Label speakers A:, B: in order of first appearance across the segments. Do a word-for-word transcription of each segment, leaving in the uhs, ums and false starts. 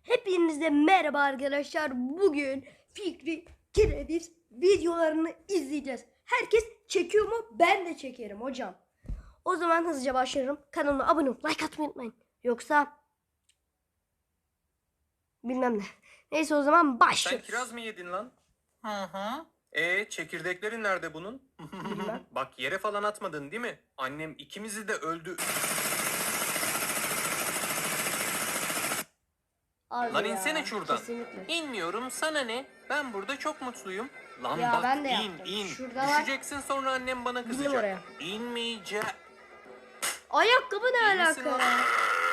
A: Hepinize merhaba arkadaşlar. Bugün Fikri Kereviz videolarını izleyeceğiz. Herkes çekiyor mu? Ben de çekerim hocam. O zaman hızlıca başlayalım. Kanalıma abone olup like atmayı unutmayın. Yoksa bilmem ne. Neyse o zaman başlıyoruz.
B: Sen kiraz mı yedin lan? Hı hı. E çekirdeklerin nerede bunun?
A: Bilmem.
B: Bak yere falan atmadın değil mi? Annem ikimizi de öldü.
A: Abi
B: Lan
A: ya,
B: insene şuradan.
A: kesinlikle.
B: İnmiyorum, sana ne? Ben burada çok mutluyum. Lan
A: Ya
B: bak
A: ben de
B: in
A: yaptım.
B: in.
A: Şurada var.
B: Düşeceksin sonra annem bana
A: Bindim
B: kızacak.
A: oraya.
B: İnmeyeceğim.
A: Ayakkabı ne
B: İyi misin
A: alaka
B: lan?
A: ya?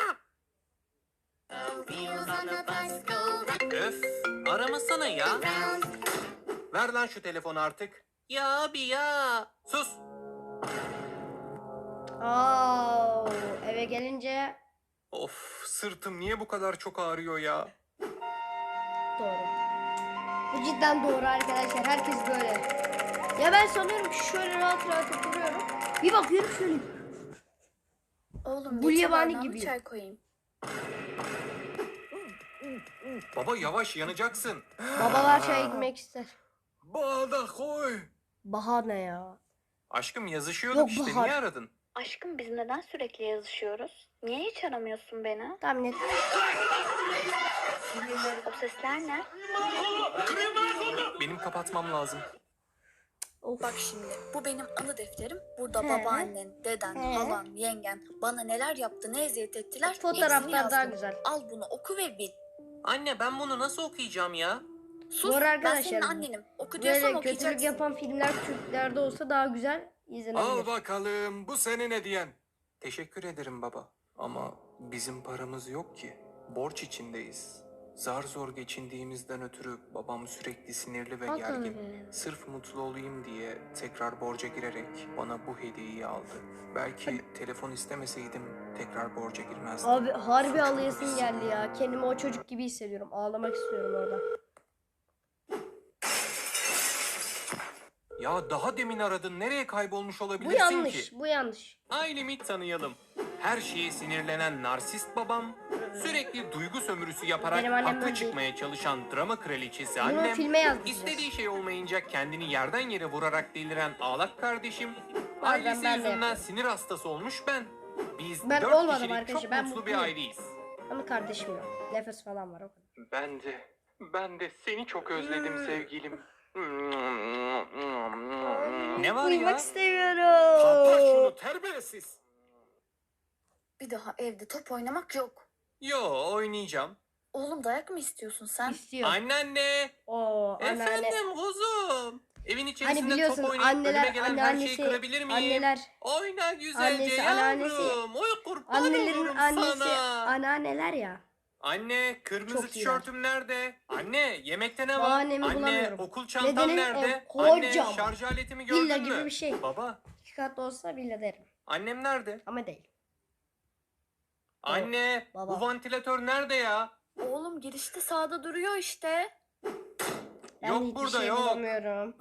B: Öf, aramasana ya. Ver lan şu telefonu artık. Ya abi ya. Sus.
A: Aa, eve gelince
B: Of, sırtım niye bu kadar çok ağrıyor ya?
A: doğru. Bu cidden doğru arkadaşlar. Herkes böyle. Ya ben sanıyorum ki şöyle rahat rahat oturuyorum. Bir bakıyorum şöyle.
C: Oğlum
A: Bu
C: getir
A: yabani
C: bardağına
A: gibi.
C: çay koyayım.
B: Baba yavaş yanacaksın.
A: Babalar çay gitmek ister.
B: Bağda koy.
A: Bahane ya.
B: Aşkım yazışıyorduk
A: Yok,
B: işte,
A: Bahar.
B: niye aradın?
C: Aşkım biz neden sürekli yazışıyoruz? Niye hiç aramıyorsun beni?
A: Tahmin et.
C: O sesler ne?
B: Benim kapatmam lazım.
A: Of.
C: Bak şimdi bu benim anı defterim. Burada
A: He.
C: babaannen, deden,
A: He.
C: halan, yengen bana neler yaptı, ne eziyet ettiler.
A: Fotoğraflar
C: hepsini
A: daha
C: yazdım.
A: güzel.
C: Al bunu oku ve bil.
B: Anne ben bunu nasıl okuyacağım ya?
C: Sus,
A: Doğru
C: ben
A: arkadaşlar.
C: senin annenim. Oku diyorsam
A: Böyle kötülük
C: okuyacaksın.
A: yapan filmler Türklerde olsa daha güzel izlenebilir.
B: bakalım, bu senin hediyen. Teşekkür ederim baba. Ama bizim paramız yok ki. Borç içindeyiz. Zar zor geçindiğimizden ötürü babam sürekli sinirli ve
A: Al
B: gergin.
A: tabii.
B: Sırf mutlu olayım diye tekrar borca girerek bana bu hediyeyi aldı. Belki telefon istemeseydim tekrar borca girmezdim.
A: Abi harbi
B: Suçlu
A: ağlayasım
B: hissediyorum.
A: geldi ya. Kendimi o çocuk gibi hissediyorum. Ağlamak istiyorum orada.
B: Ya daha demin aradın. Nereye kaybolmuş
A: Bu
B: olabilirsin
A: yanlış.
B: ki?
A: Bu yanlış.
B: Ailemi tanıyalım. Her şeye sinirlenen narsist babam, sürekli duygu sömürüsü yaparak
A: Benim annem
B: haklı
A: böyle
B: çıkmaya çalışan drama kraliçesi
A: Bunu
B: annem,
A: filme yazdıracağız.
B: istediği şey olmayınca kendini yerden yere vurarak deliren ağlak kardeşim,
A: Bazen
B: ailesi
A: ben de
B: yüzünden
A: yapıyorum.
B: sinir hastası olmuş ben. Biz
A: Ben
B: dört
A: olmadım
B: kişilik
A: arkadaşlar,
B: çok
A: ben
B: mutlu bir
A: mutluyum.
B: aileyiz.
A: Ama kardeşim yok. Nefes falan var o kadar.
B: Ben de, ben de seni çok özledim sevgilim. Ne var
A: Uyumak
B: ya?
A: istemiyorum.
B: terbiyesiz.
C: Bir daha evde top oynamak yok.
B: Yo, oynayacağım.
C: Oğlum dayak mı istiyorsun sen?
A: İstiyor.
B: Anneanne.
A: Oo anneanne.
B: Efendim kuzum. Evin içerisinde
A: Hani biliyorsun
B: top oynayıp önüme
A: anneler,
B: gelen her şeyi
A: anneannesi,
B: kırabilir miyim?
A: anneler,
B: Oyna güzelce
A: annesi,
B: yavrum.
A: anneannesi,
B: Oy kurban
A: annelerin
B: olurum
A: annesi,
B: sana.
A: anneanneler ya.
B: Anne kırmızı
A: Çok
B: tişörtüm nerede? Anne yemekte ne var?
A: Bahanemi
B: Anne
A: bulamıyorum.
B: okul çantam
A: Nedenim
B: nerede?
A: ev,
B: Anne
A: kocaman.
B: şarj aletimi gördün
A: Villa
B: mü?
A: gibi bir şey.
B: Baba
A: İki katlı olsa villa derim.
B: annem nerede?
A: Ama değil.
B: Anne
A: Baba.
B: bu vantilatör nerede ya?
C: Oğlum girişte sağda duruyor işte.
A: Ben
B: Yok
A: hiçbir
B: burada
A: şey
B: yok.
A: bulamıyorum.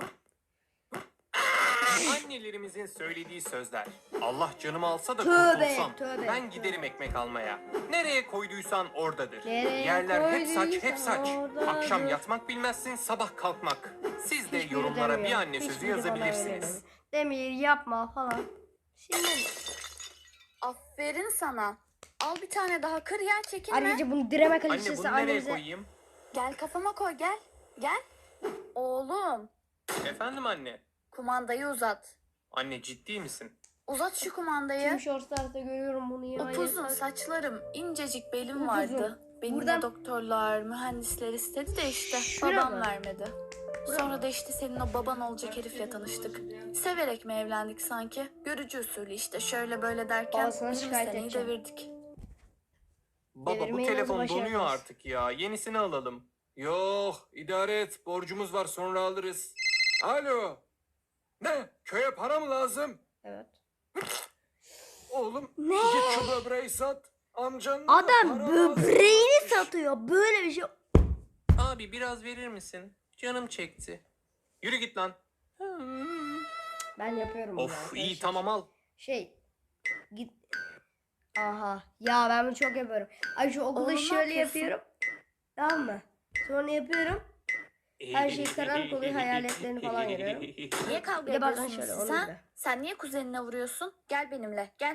B: Annelerimizin söylediği sözler. Allah canımı alsa da
A: Tövbe,
B: kurtulsam.
A: tövbe,
B: ben
A: tövbe.
B: giderim ekmek almaya. Nereye koyduysan oradadır.
A: Nereye
B: Yerler hep saç hep
A: koyduysan
B: saç.
A: oradadır.
B: Akşam yatmak bilmezsin, sabah kalkmak. Siz de
A: Hiçbiri
B: yorumlara bir
A: demiyor.
B: anne sözü
A: Hiçbiri bana öyle
B: yazabilirsiniz.
A: demiyor. Demir yapma falan. Şimdi
C: Aferin sana. Al bir tane daha kır yer çekinme.
A: ayrıca bunu direme
B: Anne
A: kalitesi
B: bunu nereye
A: annemize.
B: koyayım?
C: Gel kafama koy gel. Gel. Oğlum
B: Efendim anne.
C: kumandayı uzat.
B: Anne ciddi misin?
C: Uzat şu kumandayı.
A: Tüm shortslarda görüyorum bunu ya.
C: Upuzun
A: yeter.
C: saçlarım, incecik belim
A: Upuzun.
C: vardı. Benim
A: Buradan-
C: de doktorlar, mühendisler istedi de işte
A: Şura
C: babam
A: mı?
C: vermedi. Sonra da işte senin o baban olacak herifle tanıştık. Severek mi evlendik sanki? Görücü usulü işte şöyle böyle derken
A: Babasına
C: yirmi
A: şikayet
C: seneyi
A: edeceğim.
C: devirdik.
B: Baba bu
A: Devirmeyi
B: telefon
A: nasıl
B: donuyor
A: başardınız?
B: artık ya. Yenisini alalım. Yok idare et. Borcumuz var sonra alırız. Alo. Ne? Köye para mı lazım?
A: Evet.
B: Oğlum
A: Ne?
B: git şu böbreği sat. Amcanın da
A: Adam
B: para
A: böbreğini
B: lazım.
A: satıyor. Böyle bir şey.
B: Abi biraz verir misin? Canım çekti. Yürü git lan.
A: Ben yapıyorum bunu
B: Of
A: arkadaşlar.
B: iyi tamam al.
A: Şey. Git. Aha. Ya ben bunu çok yapıyorum. Ay şu okulda
C: Oğlum, ne
A: şöyle
C: yapıyorsun?
A: yapıyorum. Tamam mı? Sonra yapıyorum. Her şey karanlık oluyor, hayaletlerini falan görüyorum.
C: Niye kavga
A: Bir de bazen
C: ediyorsunuz
A: şöyle,
C: siz
A: onu
C: ha?
A: da.
C: Sen niye kuzenine vuruyorsun? Gel benimle gel.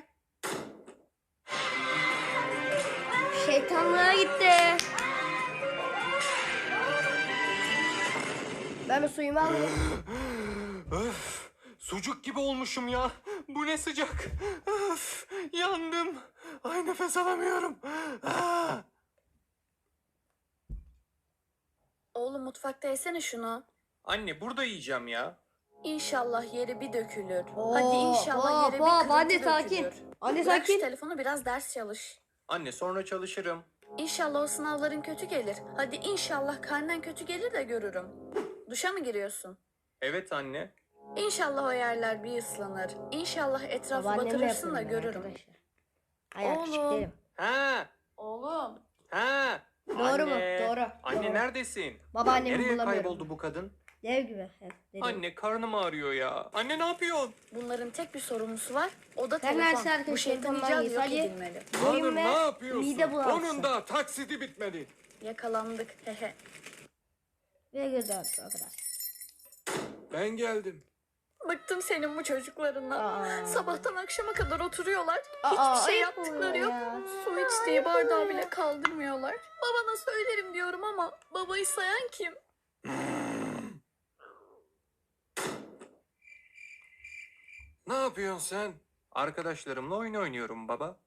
A: Şeytanlığa gitti. Ben bir suyumu alayım.
B: Öf, sucuk gibi olmuşum ya. Bu ne sıcak. Öf, yandım. Ay nefes alamıyorum. Ah.
C: Oğlum mutfakta yesene şunu.
B: Anne burada yiyeceğim ya.
C: İnşallah yeri bir dökülür.
A: Oo,
C: Hadi inşallah
A: hop,
C: yere bir
A: hop,
C: kırıntı
A: anne
C: dökülür.
A: sakin. Anne
C: Bırak
A: sakin.
C: şu telefonu biraz ders çalış.
B: Anne sonra çalışırım.
C: İnşallah o sınavların kötü gelir. Hadi inşallah karnen kötü gelir de görürüm. Duşa mı giriyorsun?
B: Evet anne.
C: İnşallah o yerler bir ıslanır. İnşallah etrafı
A: Babaannemle
C: batırırsın da
A: yapıyorum ben
C: görürüm.
A: arkadaşlar. Hayır, küçük
C: Oğlum.
A: değilim.
B: Ha,
C: Oğlum.
B: ha.
A: Doğru mu?
B: Anne.
A: Doğru,
B: Anne
A: doğru.
B: neredesin?
A: Babaannemi
B: Nereye
A: bulamıyorum.
B: kayboldu bu kadın?
A: Dev gibi. Evet, dedim.
B: Anne karnım ağrıyor ya. Anne ne yapıyorsun?
C: Bunların tek bir sorumlusu var. O da
A: Ben
C: telefon.
A: her şarkı
C: Bu şeytan
A: şeytandan
C: icadı
A: yiyiz.
C: yok
A: Hadi.
C: edilmeli.
A: Boyun ve mide bulantısı.
B: Onun da taksidi bitmedi.
C: Yakalandık. Hehe.
A: Ve göz ağrısı o kadar.
B: Ben geldim.
C: Bıktım senin bu çocuklarından.
A: Aa.
C: Sabahtan akşama kadar oturuyorlar.
A: Aa,
C: Hiçbir şey
A: ayıp
C: yaptıkları
A: oluyor
C: yok.
A: ya.
C: Su içtiği bardağı bile kaldırmıyorlar. Babana söylerim diyorum ama babayı sayan kim?
B: Ne yapıyorsun sen? Arkadaşlarımla oyun oynuyorum baba.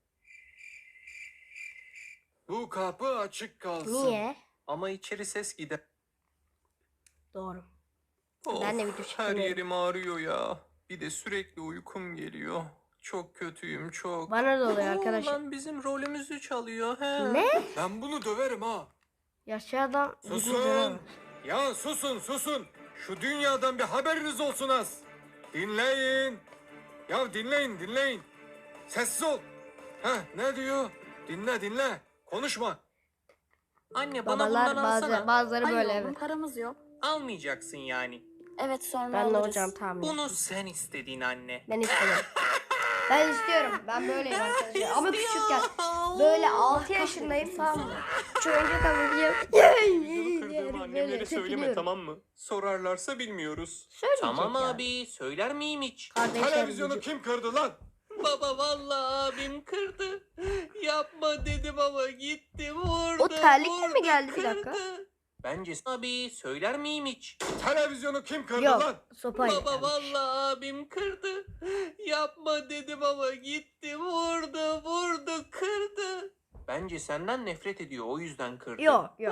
B: Bu kapı açık kalsın.
A: Niye?
B: Ama içeri ses gider.
A: Doğru.
B: Of,
A: Ben de video
B: her
A: çekmiyorum.
B: yerim ağrıyor ya. Bir de sürekli uykum geliyor. Çok kötüyüm çok.
A: Bana da oluyor
B: Oo,
A: arkadaşlar.
B: Lan bizim rolümüzü çalıyor he.
A: Ne?
B: Ben bunu döverim ha.
A: Yaşlı adam gitmiş
B: Susun.
A: ona.
B: Ya susun susun. Şu dünyadan bir haberiniz olsun az. Dinleyin. Ya dinleyin dinleyin. Sessiz ol. Heh ne diyor? Dinle dinle. Konuşma. Anne
A: Babalar bazı, bazıları
C: Hayır
A: böyle
C: oğlum
A: evet.
C: paramız yok.
B: Almayacaksın yani.
C: Evet sonra
A: Ben de
C: alırız.
A: hocam tahmin ettim.
B: Bunu sen istedin anne.
A: Ben istiyorum. Ben istiyorum. Ben böyleyim arkadaşlar. Ama küçükken böyle altı yaşındayım tamam mı? Şu oyuncak alacağım.
B: Televizyonu kırdığımı annemlere
A: Böyle
B: söyleme
A: tepiniyorum.
B: tamam mı? Sorarlarsa bilmiyoruz.
A: Söyleyecek
B: Tamam
A: yani.
B: abi söyler miyim hiç?
A: Kardeşler
B: Televizyonu
A: gücü.
B: kim kırdı lan? Baba vallahi abim kırdı. Yapma dedim ama gitti vurdu.
A: O terlikle mi
B: vurdu,
A: geldi? Bir
B: kırdı.
A: dakika.
B: Bence abi söyler miyim hiç? Televizyonu kim kırdı
A: Yok sopayla.
B: Baba vallahi abim kırdı. Yapma dedim ama gitti vurdu vurdu kırdı. Bence senden nefret ediyor o yüzden kırdı.
A: Yok yok.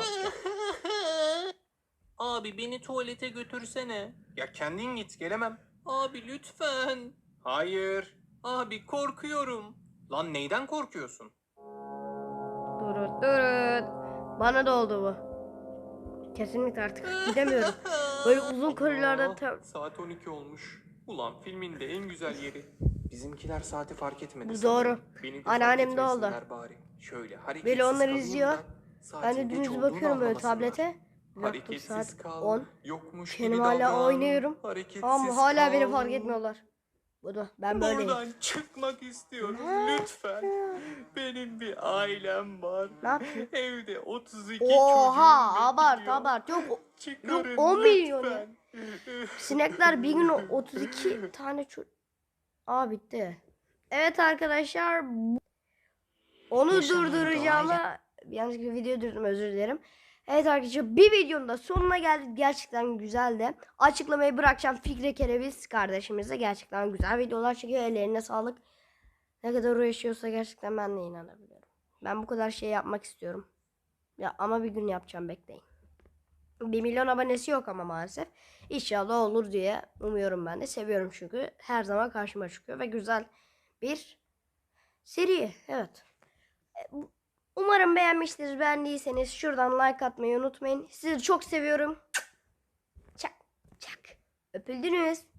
B: Abi beni tuvalete götürsene. Ya kendin git gelemem. Abi lütfen. Hayır. Abi korkuyorum. Lan neyden korkuyorsun?
A: Durun durun. Bana da oldu bu. Kesinlikle artık gidemiyorum. Böyle uzun koridorlarda tam...
B: Saat on iki olmuş. Ulan filmin de en güzel yeri. Bizimkiler saati fark etmedi.
A: Bu
B: sanırım.
A: doğru.
B: Beni de
A: Anneannem
B: fark
A: de oldu.
B: etmesinler Bari. Şöyle hareketsiz
A: Böyle onları
B: kalayım
A: izliyor.
B: da
A: Ben
B: saatin
A: de
B: geç
A: dümdüz
B: olduğunu
A: bakıyorum böyle
B: anlamasınlar.
A: tablete. Bir baktım
B: Hareketsiz
A: saat
B: kal.
A: on.
B: Yokmuş
A: Kendim
B: gibi
A: hala
B: davran.
A: oynuyorum.
B: Hareketsiz
A: Ama hala beni
B: kal.
A: fark etmiyorlar. Bu da ben böyleyim.
B: Buradan çıkmak istiyorum lütfen. Benim bir ailem var.
A: Ne yapayım?
B: Evde otuz iki
A: Oha
B: çocuğum
A: abart
B: bekliyor.
A: abart. Yok o-
B: Çıkarın
A: Yok, on milyon ya.
B: lütfen.
A: sinekler bir gün otuz iki tane çocuk. Aa bitti. Evet arkadaşlar. bu- Onu
B: Yaşanan
A: durduracağıma yanlışlıkla video durdurdum özür dilerim. Evet arkadaşlar bir videonun da sonuna geldik. Gerçekten güzeldi. Açıklamayı bırakacağım. Fikri Kereviz kardeşimize gerçekten güzel videolar çekiyor. Ellerine sağlık. Ne kadar uğraşıyorsa gerçekten ben de inanabiliyorum. Ben bu kadar şey yapmak istiyorum. Ya ama bir gün yapacağım bekleyin. Bir milyon abonesi yok ama maalesef. İnşallah olur diye umuyorum ben de. Seviyorum çünkü. Her zaman karşıma çıkıyor ve güzel bir seri. Evet. Umarım beğenmişsiniz. Beğendiyseniz şuradan like atmayı unutmayın. Sizi çok seviyorum. Çak çak. Öpüldünüz.